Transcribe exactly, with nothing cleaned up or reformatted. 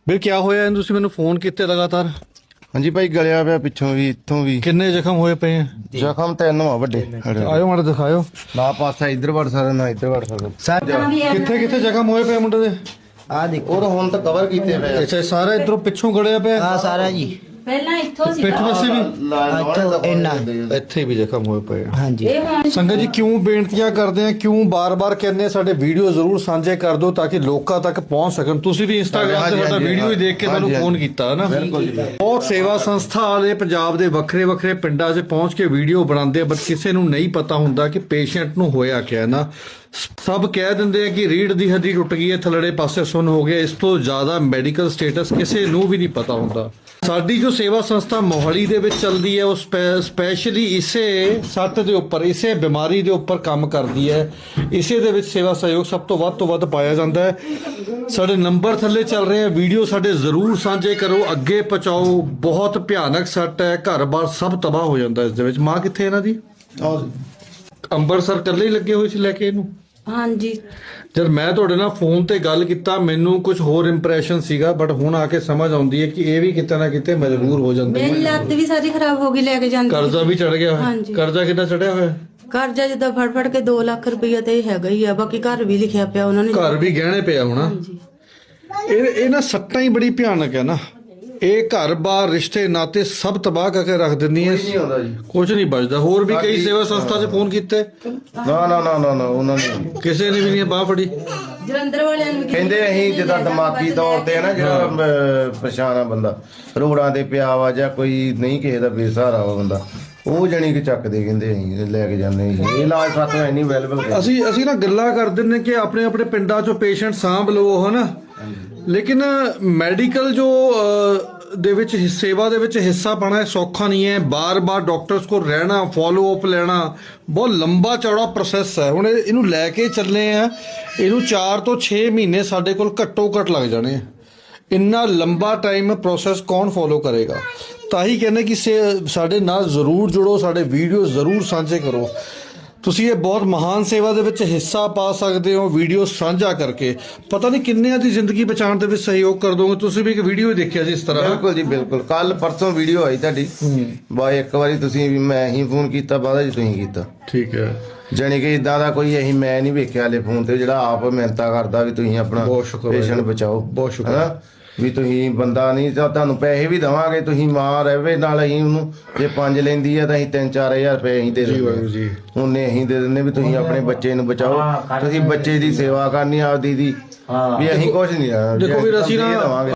ਵੀਰ ਕੀ ਹੋਇਆ ਤੁਸੀਂ ਮੈਨੂੰ ਫੋਨ ਕੀਤੇ ਲਗਾਤਾਰ? ਹਾਂਜੀ ਭਾਈ ਗਲਿਆ ਪਿਆ ਪਿੱਛੋਂ ਵੀ ਇੱਥੋਂ ਵੀ। ਕਿੰਨੇ ਜ਼ਖਮ ਹੋਏ ਪਏ ਆ? ਜ਼ਖਮ ਤਿੰਨ ਵਾ ਵੱਡੇ। ਆਇਓ ਮਾੜਾ ਦਿਖਾਇਓ। ਨਾ ਪਾਸਾ ਇੱਧਰ ਵੜ ਸਕਦਾ ਨਾ ਇੱਧਰ ਵੜ ਸਕਦਾ। ਕਿੱਥੇ ਕਿੱਥੇ ਜ਼ਖਮ ਹੋਏ ਪਏ ਮੁੰਡੇ ਦੇ? ਆ ਦੇਖੋ ਉਹ ਹੁਣ ਤਾਂ ਕਵਰ ਕੀਤੇ ਪਏ। ਅੱਛਾ ਸਾਰਾ ਇਧਰੋਂ ਪਿੱਛੋਂ ਗੜਿਆ ਪਿਆ? ਹਾਂ ਸਾਰਾ ਜੀ। ਪਹਿਲਾਂ ਇੱਥੋਂ ਸੀ ਪਿੱਠ ਪਾਸੇ ਵੀ ਇੰਨਾ ਇੱਥੇ ਵੀ ਜ਼ਖਮ ਹੋਏ ਪਏ ਆ। ਹਾਂਜੀ ਸੰਗਤ ਜੀ ਕਿਉਂ ਬੇਨਤੀਆਂ ਕਰਦੇ ਆ, ਕਿਉਂ ਬਾਰ-ਬਾਰ ਕਹਿੰਦੇ ਆ ਸਾਡੇ ਵੀਡੀਓ ਜ਼ਰੂਰ ਸਾਂਝੇ ਕਰ ਦਿਓ ਤਾਂ ਕਿ ਲੋਕਾਂ ਤੱਕ ਪਹੁੰਚ ਸਕਣ। ਤੁਸੀਂ ਵੀ ਇੰਸਟਾਗ੍ਰਾਮ ਤੇ ਸਾਡਾ ਵੀਡੀਓ ਹੀ ਦੇਖ ਕੇ ਸਾਨੂੰ ਫੋਨ ਕੀਤਾ ਹੈ ਨਾ। ਬਹੁਤ ਸੇਵਾ ਸੰਸਥਾ ਵਾਲੇ ਪੰਜਾਬ ਦੇ ਵੱਖਰੇ ਵੱਖਰੇ ਪਿੰਡਾਂ 'ਚ ਪਹੁੰਚ ਕੇ ਵੀਡੀਓ ਬਣਾਉਂਦੇ ਆ, ਬਟ ਕਿਸੇ ਨੂੰ ਨਹੀਂ ਪਤਾ ਹੁੰਦਾ ਕਿ ਪੇਸ਼ੈਂਟ ਨੂੰ ਹੋਇਆ ਕਿਆ ਨਾ। ਸਭ ਕਹਿ ਦਿੰਦੇ ਆ ਕਿ ਰੀੜ ਦੀ ਹੱਡੀ ਟੁੱਟ ਗਈ ਹੈ, ਥੱਲੜੇ ਪਾਸੇ ਸੁੰਨ ਹੋ ਗਿਆ। ਇਸ ਤੋਂ ਜ਼ਿਆਦਾ ਮੈਡੀਕਲ ਸਟੇਟਸ ਕਿਸੇ ਨੂੰ ਵੀ ਨਹੀਂ ਪਤਾ ਹੁੰਦਾ। ਸਾਡੀ ਜੋ ਸੇਵਾ ਸੰਸਥਾ ਮੋਹਾਲੀ ਦੇ ਵਿੱਚ ਚੱਲਦੀ ਹੈ ਉਹ ਸਪੈਸ਼ਲੀ ਇਸੇ ਸੱਟ ਦੇ ਉੱਪਰ, ਇਸੇ ਬਿਮਾਰੀ ਦੇ ਉੱਪਰ ਕੰਮ ਕਰਦੀ ਹੈ। ਇਸੇ ਦੇ ਵਿੱਚ ਸੇਵਾ ਸਹਿਯੋਗ ਸਭ ਤੋਂ ਵੱਧ ਤੋਂ ਵੱਧ ਪਾਇਆ ਜਾਂਦਾ ਹੈ। ਸਾਡੇ ਨੰਬਰ ਥੱਲੇ ਚੱਲ ਰਹੇ ਆ, ਵੀਡੀਓ ਸਾਡੇ ਜ਼ਰੂਰ ਸਾਂਝੇ ਕਰੋ, ਅੱਗੇ ਪਹੁੰਚਾਓ। ਬਹੁਤ ਭਿਆਨਕ ਸੱਟ ਹੈ, ਘਰ-ਬਾਰ ਸਭ ਤਬਾਹ ਹੋ ਜਾਂਦਾ ਇਸ ਦੇ ਵਿੱਚ। ਮਾਂ ਕਿੱਥੇ ਇਹਨਾਂ ਦੀ? ਅੰਮ੍ਰਿਤਸਰ ਇਕੱਲੇ ਹੀ ਲੱਗੇ ਹੋਏ ਸੀ ਲੈ ਕੇ ਇਹਨੂੰ? ਹਾਂਜੀ। ਜਦ ਮੈਂ ਤੁਹਾਡੇ ਨਾਲ ਫੋਨ ਤੇ ਗੱਲ ਕੀਤਾ ਮੈਨੂੰ ਕੁਝ ਹੋਰ ਇੰਪ੍ਰੈਸ਼ਨ ਸੀਗਾ, ਬਟ ਹੁਣ ਆ ਕੇ ਸਮਝ ਆਉਂਦੀ ਹੈ ਕਿ ਇਹ ਵੀ ਕਿਤੇ ਨਾ ਕਿਤੇ ਮਜਬੂਰ ਹੋ ਜਾਂਦੇ ਮੇਰੀ ਲੱਤ ਵੀ ਸਾਰੀ ਖਰਾਬ ਹੋ ਗਈ ਲੈ ਕੇ ਜਾਂਦੀ। ਕਰਜ਼ਾ ਵੀ ਚੜ ਗਿਆ ਹੋਇਆ। ਕਰਜ਼ਾ ਕਿੰਨਾ ਚੜਿਆ ਹੋਇਆ? ਕਰਜ਼ਾ ਜਿੱਦਾਂ ਫੜ ਫੜ ਕੇ ਦੋ ਲੱਖ ਰੁਪਈਆ ਤੇ ਹੈਗਾ ਹੀ ਆ। ਬਾਕੀ ਘਰ ਵੀ ਲਿਖਿਆ ਪਿਆ ਉਹਨਾਂ ਨੇ। ਘਰ ਵੀ ਗਹਿਣੇ ਪਿਆ ਹੋਣਾ। ਇਹ ਇਹ ਨਾ ਸੱਟਾਂ ਹੀ ਬੜੀ ਭਿਆਨਕ ਹੈ ਨਾ। ਇਹ ਘਰ-ਬਾਰ ਰਿਸ਼ਤੇ ਨਾਤੇ ਸਭ ਤਬਾਹ ਕਰਕੇ ਰੱਖ ਦਿੰਦੀ ਹੈ। ਕੁਝ ਨਹੀਂ ਬਚਦਾ। ਹੋਰ ਵੀ ਕਈ ਸੇਵਾ ਸੰਸਥਾ 'ਚ ਫੋਨ ਕੀਤੇ, ਨਾ ਨਾ ਨਾ ਨਾ ਉਹਨਾਂ ਨੇ ਕਿਸੇ ਨੇ ਵੀ ਨਹੀਂ ਬਾਹ ਫੜੀ। ਜਲੰਧਰ ਵਾਲਿਆਂ ਨੂੰ ਕਹਿੰਦੇ ਅਸੀਂ ਜਿੱਦਾਂ ਦਿਮਾਗੀ ਤੌਰ ਤੇ ਨਾ ਜਿਹੜਾ ਪਰੇਸ਼ਾਨ ਆ ਬੰਦਾ, ਰੋੜਾਂ ਤੇ ਪਿਆ ਵਾ ਜਾਂ ਕੋਈ ਨਹੀਂ ਕਿਸੇ ਦਾ ਬੇਸਹਾਰਾ ਵਾ ਬੰਦਾ, ਉਹ ਜਣੀ ਕਿ ਚੱਕਦੇ ਕਹਿੰਦੇ ਅਸੀਂ ਲੈ ਕੇ ਜਾਂਦੇ। ਇਹ ਇਲਾਜ ਸਾਥੋਂ ਹੈ ਨਹੀਂ ਅਵੇਲੇਬਲ। ਅਸੀਂ ਅਸੀਂ ਨਾ ਗੱਲਾਂ ਕਰ ਦਿੰਦੇ ਕਿ ਆਪਣੇ ਆਪਣੇ ਪਿੰਡਾਂ 'ਚੋਂ ਪੇਸ਼ੈਂਟ ਸਾਂਭ ਲਓ ਹਨਾ, ਲੇਕਿਨ ਮੈਡੀਕਲ ਜੋ ਦੇ ਵਿੱਚ ਸੇਵਾ ਦੇ ਵਿੱਚ ਹਿੱਸਾ ਪਾਣਾ ਸੌਖਾ ਨਹੀਂ ਹੈ। ਬਾਰ-ਬਾਰ ਡਾਕਟਰਸ ਕੋਲ ਰਹਿਣਾ, ਫੋਲੋ ਅਪ ਲੈਣਾ ਬਹੁਤ ਲੰਬਾ ਚੌੜਾ ਪ੍ਰੋਸੈਸ ਹੈ। ਹੁਣ ਇਹਨੂੰ ਲੈ ਕੇ ਚੱਲੇ ਆ, ਇਹਨੂੰ ਚਾਰ ਤੋਂ ਛੇ ਮਹੀਨੇ ਸਾਡੇ ਕੋਲ ਘੱਟੋ ਘੱਟ ਲੱਗ ਜਾਣੇ। ਇੰਨਾ ਲੰਬਾ ਟਾਈਮ ਪ੍ਰੋਸੈਸ ਕੌਣ ਫੋਲੋ ਕਰੇਗਾ? ਤਾਂ ਹੀ ਕਹਿੰਦੇ ਕਿ ਸਾਡੇ ਨਾਲ ਜ਼ਰੂਰ ਜੁੜੋ, ਸਾਡੇ ਵੀਡੀਓ ਜ਼ਰੂਰ ਸਾਂਝੇ ਕਰੋ। ਤੁਸੀਂ ਇਹ ਬਹੁਤ ਮਹਾਨ ਸੇਵਾ ਦੇ ਵਿੱਚ ਹਿੱਸਾ ਪਾ ਸਕਦੇ ਹੋ ਵੀਡੀਓ ਸਾਂਝਾ ਕਰਕੇ। ਪਤਾ ਨਹੀਂ ਕਿੰਨਿਆਂ ਦੀ ਜ਼ਿੰਦਗੀ ਬਚਾਉਣ ਦੇ ਵਿੱਚ ਸਹਿਯੋਗ ਕਰ ਦੋਗੇ। ਤੁਸੀਂ ਵੀ ਇੱਕ ਵੀਡੀਓ ਹੀ ਦੇਖਿਆ ਸੀ ਇਸ ਤਰ੍ਹਾਂ? ਬਿਲਕੁਲ ਜੀ ਬਿਲਕੁਲ। ਕੱਲ ਪਰਸੋਂ ਵੀਡੀਓ ਆਈ ਤੁਹਾਡੀ, ਬਾ ਇੱਕ ਵਾਰੀ ਤੁਸੀਂ ਵੀ ਮੈਂ ਹੀ ਫੋਨ ਕੀਤਾ, ਬਾਅਦ ਜੀ ਤੁਸੀਂ ਕੀਤਾ। ਠੀਕ ਹੈ। ਜਾਣੀ ਕਿ ਇਦਾਂ ਦਾ ਕੋਈ ਅਸੀਂ ਮੈਂ ਨਹੀਂ ਵੇਖਿਆ ਹਲੇ ਫੋਨ ਤੇ ਜਿਹੜਾ ਆਪ ਮਿਹਨਤਾਂ ਕਰਦਾ ਵੀ ਤੁਸੀਂ ਆਪਣਾ ਪੇਸ਼ੈਂਟ ਬਚਾਓ। ਬਹੁਤ ਸ਼ੁਕਰ ਵੀ ਤੁਸੀਂ ਬੰਦਾ ਨਹੀਂ ਤਾਂ ਤੁਹਾਨੂੰ ਪੈਸੇ ਵੀ ਦੇਵਾਂਗੇ, ਤੁਸੀਂ ਮਾਂ ਰਹੇ ਨਾਲ ਅਸੀਂ ਉਹਨੂੰ ਜੇ ਪੰਜ ਲੈਂਦੀ ਆ ਤਾਂ ਅਸੀਂ ਤਿੰਨ ਚਾਰ ਹਜ਼ਾਰ ਰੁਪਏ ਅਸੀਂ ਦੇ ਦਿੰਦੇ। ਉਹਨੇ ਅਸੀਂ ਦੇ ਦਿੰਦੇ ਵੀ ਤੁਸੀਂ ਆਪਣੇ ਬੱਚੇ ਨੂੰ ਬਚਾਓ। ਤੁਸੀਂ ਬੱਚੇ ਦੀ ਸੇਵਾ ਕਰਨੀ ਆਪਦੀ ਦੀ, ਵੀ ਅਸੀਂ ਕੁਝ ਨਹੀਂ। ਦੇਖੋ ਵੀਰ ਅਸੀਂ ਨਾ